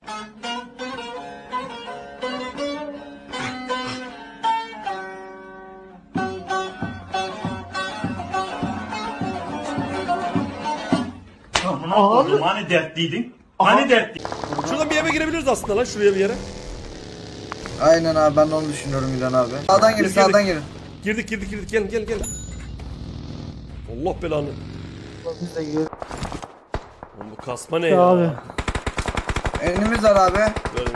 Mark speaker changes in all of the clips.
Speaker 1: Abi. Hani dertliydin? Hani dertli?
Speaker 2: Şuradan bir eve girebiliriz aslında lan, şuraya bir yere.
Speaker 3: Aynen abi, ben de onu düşünüyorum İlhan abi. Sağdan girin, sağdan girin.
Speaker 2: Girdik gel. Allah belanı.
Speaker 4: Biz de gidiyoruz.
Speaker 2: Oğlum bu kasma ne ya?
Speaker 4: Abi.
Speaker 3: Önümüz var abi.
Speaker 2: Böyle.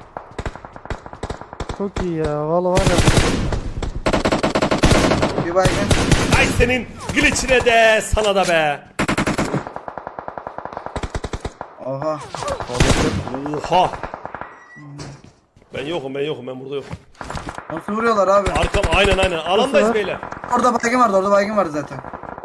Speaker 4: Çok iyi ya. Vallahi var ya.
Speaker 3: Bir baygın.
Speaker 2: Ay senin glitch'ine de sana da be.
Speaker 3: Oha.
Speaker 2: Oha. Ben yokum ben burada yokum.
Speaker 3: Nasıl vuruyorlar abi?
Speaker 2: Arkam aynen alandayız
Speaker 4: Nasıl?
Speaker 2: beyler.
Speaker 3: Orada baygın vardı zaten.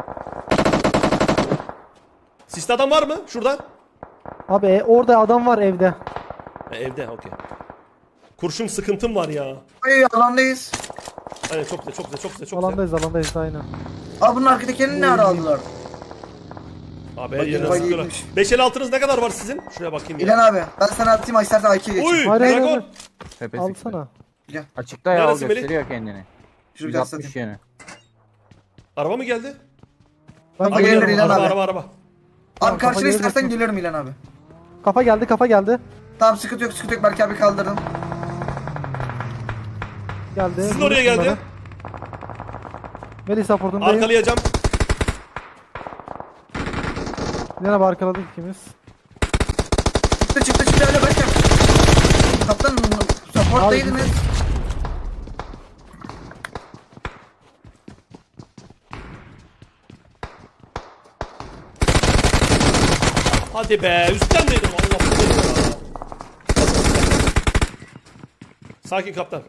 Speaker 2: Siste adam var mı şuradan?
Speaker 4: Abi orada adam var evde.
Speaker 2: Evde okey. Kurşun sıkıntım var ya.
Speaker 3: Ay, alandayız.
Speaker 2: Aynen çok güzel.
Speaker 4: Alandayız aynen.
Speaker 3: Abi bunun arkadakilerini ne ara aldılar?
Speaker 2: Abi her
Speaker 3: Bakın,
Speaker 2: yerine
Speaker 3: bak
Speaker 2: sıkıyorlar.
Speaker 3: iyiymiş.
Speaker 2: 556'nız ne kadar var sizin? Şuraya bakayım ya.
Speaker 3: İlhan abi, ben sana atayım, istersen IQ geç.
Speaker 2: Uy
Speaker 4: Hayır, hayır,
Speaker 2: Dragon.
Speaker 4: hayır.
Speaker 5: Tepesi
Speaker 4: Alsana.
Speaker 3: Gel.
Speaker 5: açıkta ya, o
Speaker 2: Neresi Melih?
Speaker 5: gösteriyor kendini.
Speaker 3: Şurada
Speaker 5: 160
Speaker 3: satayım.
Speaker 5: yönü.
Speaker 2: Araba mı geldi?
Speaker 4: Ben
Speaker 3: Kafa
Speaker 4: geliyorum.
Speaker 3: gelir İlhan abi.
Speaker 2: Araba.
Speaker 3: Abi
Speaker 4: Tamam,
Speaker 3: karşına
Speaker 4: kafa
Speaker 3: istersen
Speaker 4: gelir.
Speaker 3: gelirim İlhan abi.
Speaker 4: Kafa geldi.
Speaker 3: Tamam, sıkıntı yok. Belki abi kaldırdım.
Speaker 4: Geldi.
Speaker 2: Sizin oraya geldi.
Speaker 4: Melih supportundayım.
Speaker 2: Arkalayacağım.
Speaker 4: Yine abi arkaladık ikimiz.
Speaker 3: Çıktı öyle bakayım. Kaptan support'taydınız.
Speaker 2: Hadi be üstten değdim Allah Allah. Sakin kaptan.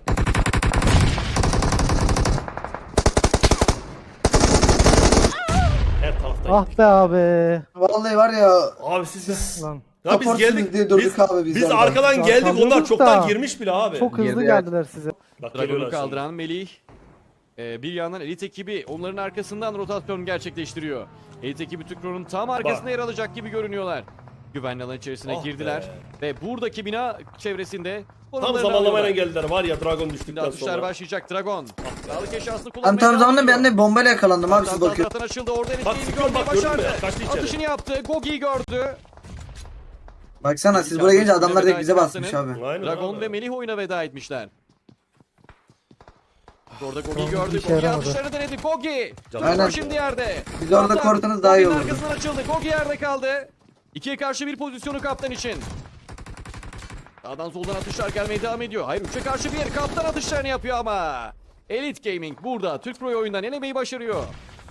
Speaker 2: Her taraftayım.
Speaker 4: Ah be abi.
Speaker 3: Vallahi var ya.
Speaker 2: Abi siz
Speaker 4: Lan.
Speaker 2: ya biz
Speaker 3: Supportsuz
Speaker 2: geldik.
Speaker 3: diye durduk abi biz
Speaker 2: biz
Speaker 3: orada.
Speaker 2: arkadan
Speaker 4: Ya
Speaker 2: geldik onlar
Speaker 4: kaldırdık
Speaker 2: çoktan
Speaker 4: da.
Speaker 2: girmiş bile abi.
Speaker 4: Çok hızlı
Speaker 5: Girdi,
Speaker 4: geldiler size.
Speaker 2: Bak,
Speaker 6: Dragon'u
Speaker 2: geliyorlar şimdi.
Speaker 6: kaldıran Melih. Bir yandan elit ekibi onların arkasından rotasyon gerçekleştiriyor. Elit ekibi Tükro'nun tam arkasında yer alacak gibi görünüyorlar. Güvenli alan içerisine
Speaker 2: Ah
Speaker 6: girdiler. Ve buradaki bina çevresinde
Speaker 2: Tam
Speaker 6: konumlarını
Speaker 2: zamanlamayla
Speaker 6: alıyorlar.
Speaker 2: geldiler var ya Dragon
Speaker 6: Şimdi
Speaker 2: düştükten
Speaker 6: atışlar
Speaker 2: sonra.
Speaker 6: başlayacak Dragon. Sağlık eşyasını
Speaker 3: Ben
Speaker 6: kullanmaya
Speaker 3: tam zamanında
Speaker 6: devam
Speaker 3: ben de bombayla yakalandım abi, siz
Speaker 6: ediyor.
Speaker 3: bakın.
Speaker 6: Zaten açıldı orada elit
Speaker 2: Bak,
Speaker 6: ekibi
Speaker 2: sıkıyorum,
Speaker 6: görmeyi
Speaker 2: bak, gördün mü
Speaker 6: başardı.
Speaker 2: ya? Kaçtı içeri.
Speaker 6: Atışını yaptı. Gogi'yi gördü.
Speaker 3: Baksana siz buraya gelince adamlar direkt bize basmış abi.
Speaker 2: Aynen
Speaker 6: Dragon
Speaker 2: abi.
Speaker 6: ve Melih oyuna veda etmişler. Orada Gogi'yi gördü.
Speaker 4: işe
Speaker 6: Gogi
Speaker 4: yaramadı.
Speaker 6: atışlarını denedi. Gogi.
Speaker 3: Aynen.
Speaker 6: Şimdi yerde.
Speaker 3: Biz orada
Speaker 6: Kaptan,
Speaker 3: korktunuz daha iyi
Speaker 6: Gogi'nin
Speaker 3: olurdu.
Speaker 6: arkasından açıldı. Gogi yerde kaldı. 2'ye karşı bir pozisyonu kaptan için. Sağdan soldan atışlar gelmeye devam ediyor. Hayır 3'e karşı bir kaptan atışlarını yapıyor ama. Elite Gaming burada Türk Pro oyundan elemeyi başarıyor.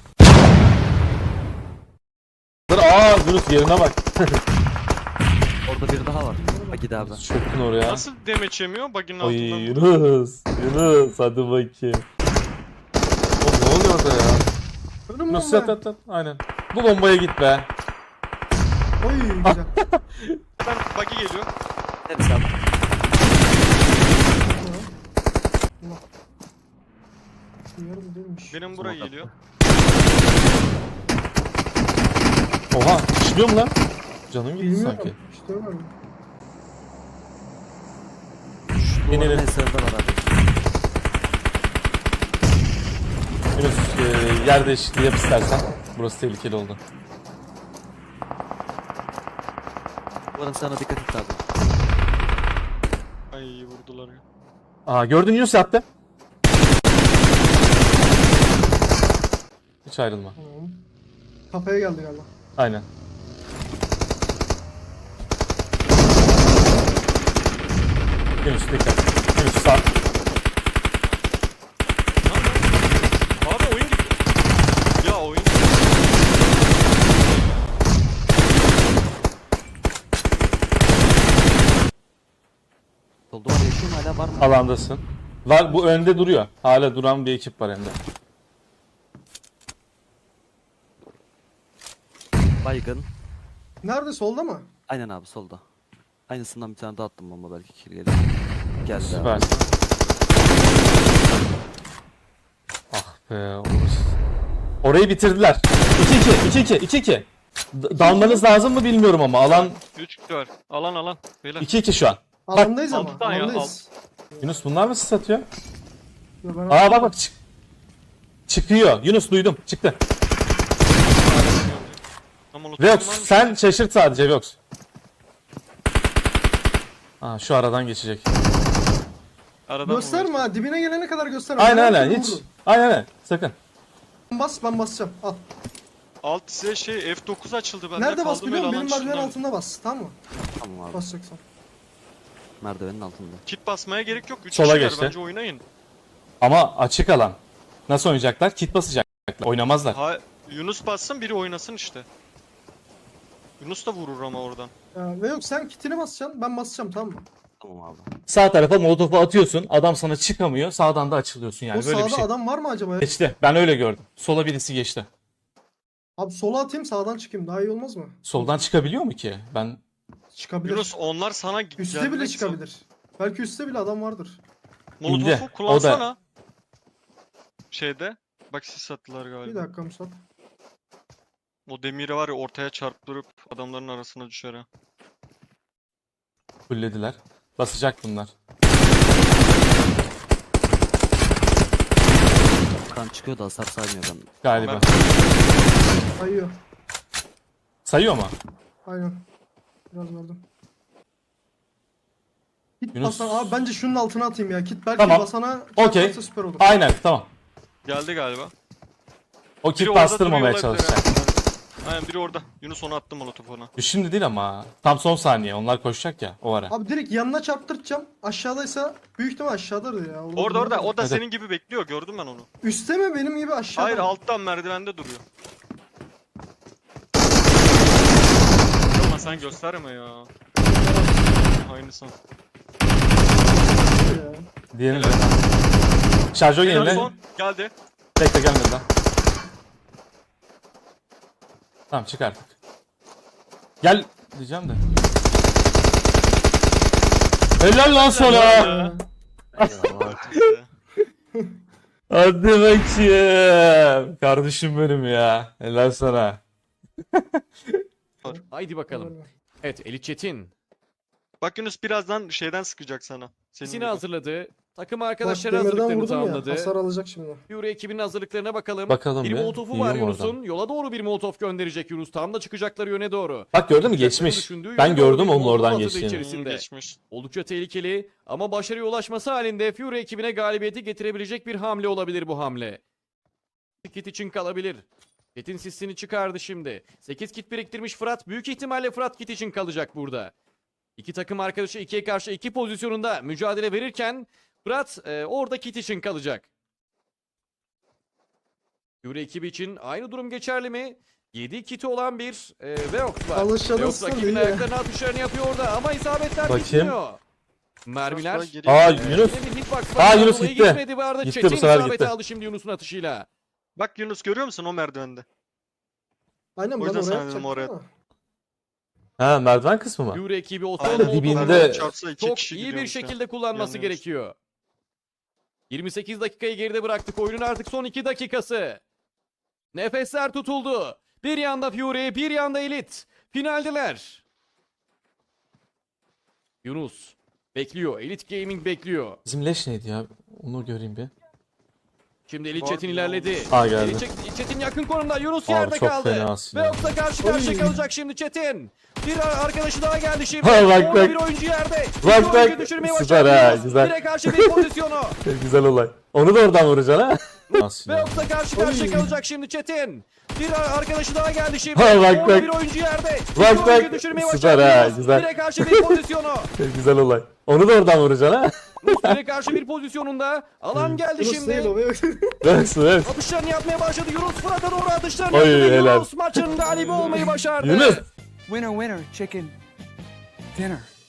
Speaker 7: Aa Yunus yerine bak.
Speaker 8: Orada biri daha var. Agide abi.
Speaker 7: Çöktün oraya.
Speaker 9: Nasıl demeç yemiyor? Bug'ın
Speaker 7: Oy
Speaker 9: altından.
Speaker 7: Yunus hadi bakayım. Oğlum ne oluyor orada ya? Yunus yat. Aynen. Bu bombaya git be.
Speaker 9: Ben bug'i geliyor.
Speaker 8: Neresi abi?
Speaker 9: Benim buraya geliyor.
Speaker 7: Oha işliyor mu lan? Canım gitti sanki.
Speaker 8: Duvarın
Speaker 7: İnelim.
Speaker 8: eserde var abi.
Speaker 7: Yunus yer değişikliği yap istersen. Burası tehlikeli oldu.
Speaker 8: Duvarın sana dikkat et abi.
Speaker 9: Ay vurdular ya.
Speaker 7: Aa gördün Yunus yattı. Hiç ayrılma.
Speaker 10: Kafaya geldi galiba.
Speaker 7: Aynen. Yunus dikkat. Yunus sağ.
Speaker 9: Abi oyun gitti. Ya oyun
Speaker 8: Sol duvar yaşıyor mu hala var mı?
Speaker 7: Alandasın. Var bu önde duruyor. Hala duran bir ekip var hem de.
Speaker 8: Baygın.
Speaker 10: Nerede, solda mı?
Speaker 8: Aynen abi solda. Aynısından bir tane daha attım bomba belki kill gelir. Geldi
Speaker 7: Süper.
Speaker 8: abi.
Speaker 7: Ah be olur. Orayı bitirdiler. 2-2. Dalmanız lazım mı bilmiyorum ama alan
Speaker 9: 3 kişi var. Alan. Beyler.
Speaker 7: 2-2 şu an.
Speaker 10: Alandayız ama.
Speaker 9: alttan ya,
Speaker 10: Alandayız.
Speaker 7: Yunus bunlar mı satıyor?
Speaker 10: Ya ben-
Speaker 7: Aa bak çıkıyor. Yunus duydum. Çıktı.
Speaker 9: Ama
Speaker 7: Veox
Speaker 9: var mı?
Speaker 7: sen şaşırt sadece Veox. Aa şu aradan geçecek.
Speaker 9: Aradan
Speaker 10: Gösterme ha. Dibine gelene kadar gösterme.
Speaker 7: Aynen
Speaker 10: Ben
Speaker 7: aynen hiç.
Speaker 10: vurdum.
Speaker 7: Aynen sakın.
Speaker 10: Bas, ben basacağım. Al.
Speaker 9: Alt size şey F9 açıldı bende.
Speaker 10: Nerede bas
Speaker 9: kaldım
Speaker 10: biliyor musun?
Speaker 9: öyle
Speaker 10: Benim
Speaker 9: alan
Speaker 10: merdiven
Speaker 9: dışındayım.
Speaker 10: altında bas. Tamam mı?
Speaker 8: Tamam abi.
Speaker 10: Basacaksan.
Speaker 8: Merdivenin altında.
Speaker 9: Kit basmaya gerek yok. 3
Speaker 7: Sola
Speaker 9: kişiler
Speaker 7: geçti.
Speaker 9: bence oynayın.
Speaker 7: Ama açık alan. Nasıl oynayacaklar? Kit basacaklar. Oynamazlar.
Speaker 9: Ha, Yunus bassın biri oynasın işte. Yunus da vurur ama oradan.
Speaker 10: Ve yok sen kitini basacaksın. Ben basacağım tamam mı?
Speaker 8: Tamam abi.
Speaker 7: Sağ tarafa molotofu atıyorsun. Adam sana çıkamıyor. Sağdan da açılıyorsun yani.
Speaker 10: O
Speaker 7: Böyle
Speaker 10: sağda
Speaker 7: bir şey.
Speaker 10: adam var mı acaba?
Speaker 7: Geçti. Ben öyle gördüm. Sola birisi geçti.
Speaker 10: Abi sola atayım sağdan çıkayım. Daha iyi olmaz mı?
Speaker 7: Soldan çıkabiliyor mu ki? Ben
Speaker 10: Çıkabilir.
Speaker 9: Yunus onlar sana
Speaker 10: Üste bile
Speaker 9: gelmek
Speaker 10: çıkabilir. Belki üstte bile adam vardır.
Speaker 7: İndi.
Speaker 9: Molotofu
Speaker 7: O da-
Speaker 9: kullansana. Şeyde. Bak sis sattılar
Speaker 10: Bir
Speaker 9: galiba.
Speaker 10: dakika Musab.
Speaker 9: O demiri var ya ortaya çarptırıp adamların arasına düşer ha.
Speaker 7: fullediler. Basacak bunlar.
Speaker 8: Kan çıkıyor da hasar saymıyor ben.
Speaker 7: Galiba.
Speaker 10: Kayıyor.
Speaker 7: Sayıyor mu?
Speaker 10: Aynen. Biraz verdim. Kit
Speaker 7: Yunus-
Speaker 10: basana abi bence şunun altına atayım ya. Kit belki
Speaker 7: Tamam.
Speaker 10: basana
Speaker 7: Okey.
Speaker 10: çarparsa süper olur.
Speaker 7: Aynen tamam.
Speaker 9: Geldi galiba.
Speaker 7: O
Speaker 9: Biri
Speaker 7: kit
Speaker 9: orada
Speaker 7: bastırmamaya
Speaker 9: duruyor olabilir
Speaker 7: çalışacak.
Speaker 9: ha. Aynen biri orada. Yunus onu attı molotofu ona.
Speaker 7: Şimdi değil ama. Tam son saniye. Onlar koşacak ya o ara.
Speaker 10: Abi direkt yanına çarptıracağım. Aşağıdaysa büyük ihtimal aşağıdadır ya.
Speaker 9: Orada. O da
Speaker 7: Evet.
Speaker 9: senin gibi bekliyor. Gördüm ben onu.
Speaker 10: Üste mi benim gibi aşağıda
Speaker 9: Hayır
Speaker 10: mı?
Speaker 9: alttan merdivende duruyor. Ama sen gösterme ya. Aynısı.
Speaker 10: Ya.
Speaker 7: Diğerini de. Şarjör
Speaker 9: Helal
Speaker 7: yenile.
Speaker 9: son. Geldi.
Speaker 7: Bekle gelmedi lan. Tamam çık artık. Gel diyeceğim de. Helal lan sana.
Speaker 9: Ya.
Speaker 7: Hadi bakayım. Kardeşim benim ya. Helal sana.
Speaker 6: Haydi bakalım. Evet Elit Çetin.
Speaker 9: Bak Yunus birazdan şeyden sıkacak sana. Senin
Speaker 6: İkisini
Speaker 9: gibi.
Speaker 6: hazırladı. Takım
Speaker 10: Bak
Speaker 6: arkadaşları
Speaker 10: demirden
Speaker 6: hazırlıklarını
Speaker 10: vurdum ya.
Speaker 6: tamamladı.
Speaker 10: Hasar alacak şimdi.
Speaker 6: Fury ekibinin hazırlıklarına bakalım.
Speaker 7: Bakalım
Speaker 6: Bir
Speaker 7: bir.
Speaker 6: molotofu
Speaker 7: Yiyor
Speaker 6: var
Speaker 7: mu
Speaker 6: Yunus'un.
Speaker 7: oradan?
Speaker 6: Yola doğru bir molotof gönderecek Yunus. Tam da çıkacakları yöne doğru.
Speaker 7: Bak gördün mü
Speaker 6: Çıkacaklarını
Speaker 7: geçmiş.
Speaker 6: düşündüğü
Speaker 7: Ben
Speaker 6: yöne doğru
Speaker 7: gördüm
Speaker 6: bir
Speaker 7: onun
Speaker 6: molotof
Speaker 7: oradan
Speaker 6: atığı
Speaker 7: geçtiğini.
Speaker 6: içerisinde.
Speaker 9: Geçmiş.
Speaker 6: Oldukça tehlikeli ama başarıya ulaşması halinde Fury ekibine galibiyeti getirebilecek bir hamle olabilir bu hamle. Kit için kalabilir. Kit'in sisini çıkardı şimdi. 8 kit biriktirmiş Fırat. Büyük ihtimalle Fırat kit için kalacak burada. İki takım arkadaşı 2'ye karşı 2 pozisyonunda mücadele verirken Fırat orada kit için kalacak. Fury ekibi için aynı durum geçerli mi? 7 kiti olan bir Veox var.
Speaker 10: Alışalım
Speaker 6: Veox
Speaker 10: sonra
Speaker 6: rakibin
Speaker 10: ya.
Speaker 6: ayaklarına atışlarını yapıyor orada ama isabetler
Speaker 7: Bakayım.
Speaker 6: gitmiyor. Mermiler.
Speaker 9: Sonra geri-
Speaker 7: Aa
Speaker 6: Yine
Speaker 7: Yunus.
Speaker 6: bir hitbox
Speaker 7: Aa,
Speaker 6: var.
Speaker 7: Yunus
Speaker 6: Dolayı
Speaker 7: gitti.
Speaker 6: Gitmedi bu arada.
Speaker 7: Gitti,
Speaker 6: Çetin
Speaker 7: bu sefer
Speaker 6: isabeti
Speaker 7: gitti.
Speaker 6: aldı şimdi Yunus'un atışıyla.
Speaker 9: Bak Yunus görüyor musun o merdivende?
Speaker 10: Aynen
Speaker 9: O
Speaker 10: ben
Speaker 9: yüzden
Speaker 10: oraya
Speaker 9: sana dedim
Speaker 10: atacaktım
Speaker 9: oraya.
Speaker 10: ama.
Speaker 7: Ha merdiven kısmı mı?
Speaker 6: Fury ekibi o
Speaker 9: Aynen,
Speaker 6: son
Speaker 7: dibinde-
Speaker 6: molotofu
Speaker 7: dibinde-
Speaker 9: çarpsa iki
Speaker 6: çok
Speaker 9: kişi
Speaker 6: iyi bir
Speaker 9: gidiyormuş ya.
Speaker 6: şekilde kullanması
Speaker 9: Yanlıyormuş.
Speaker 6: gerekiyor. 28 dakikayı geride bıraktık. Oyunun artık son 2 dakikası. Nefesler tutuldu. Bir yanda Fury, bir yanda Elit. Finaldeler. Yunus bekliyor. Elite Gaming bekliyor.
Speaker 7: Bizim leş neydi ya? Onu göreyim bir.
Speaker 6: Şimdi Elit
Speaker 9: Var
Speaker 6: Çetin
Speaker 9: mı?
Speaker 6: ilerledi.
Speaker 7: Aa, geldi.
Speaker 6: Elit Çetin yakın konumda. Yunus
Speaker 7: Abi,
Speaker 6: yerde
Speaker 7: çok
Speaker 6: kaldı.
Speaker 7: fena aslında.
Speaker 6: Ve yoksa karşı karşıya kalacak şimdi Çetin. Bir arkadaşı daha geldi şimdi.
Speaker 7: Ha, bak,
Speaker 6: Orada
Speaker 7: bak.
Speaker 6: bir oyuncu yerde.
Speaker 7: Bak,
Speaker 6: İki oyuncuyu
Speaker 7: bak.
Speaker 6: düşürmeyi
Speaker 7: Süper
Speaker 6: başardı
Speaker 7: ha,
Speaker 6: Yunus.
Speaker 7: güzel.
Speaker 6: Bire karşı bir pozisyonu.
Speaker 7: Güzel olay. Onu da oradan vuracaksın ha.
Speaker 6: Ve
Speaker 7: Aslında.
Speaker 6: yoksa karşı karşıya
Speaker 10: Oy.
Speaker 6: kalacak şimdi Çetin. Bir arkadaşı daha geldi şimdi.
Speaker 7: Ha, bak,
Speaker 6: Orada
Speaker 7: bak.
Speaker 6: bir oyuncu yerde.
Speaker 7: Bak,
Speaker 6: İki oyuncuyu
Speaker 7: bak.
Speaker 6: düşürmeyi
Speaker 7: Süper
Speaker 6: başardı
Speaker 7: ha,
Speaker 6: Yunus.
Speaker 7: güzel.
Speaker 6: Bire karşı bir pozisyonu.
Speaker 7: Güzel olay. Onu da oradan vuracaksın ha.
Speaker 6: Bire karşı bir pozisyonunda. Alan geldi
Speaker 10: Yunus değil
Speaker 6: şimdi.
Speaker 10: o. Ve
Speaker 7: Evet, evet.
Speaker 6: Atışlarını yapmaya başladı. Yunus Fırat'a doğru atışlarını
Speaker 7: Oy,
Speaker 6: yaptı. ve
Speaker 7: helal.
Speaker 6: Yunus maçın galibi olmayı başardı.
Speaker 7: Yunus.
Speaker 5: Winner, winner, chicken dinner.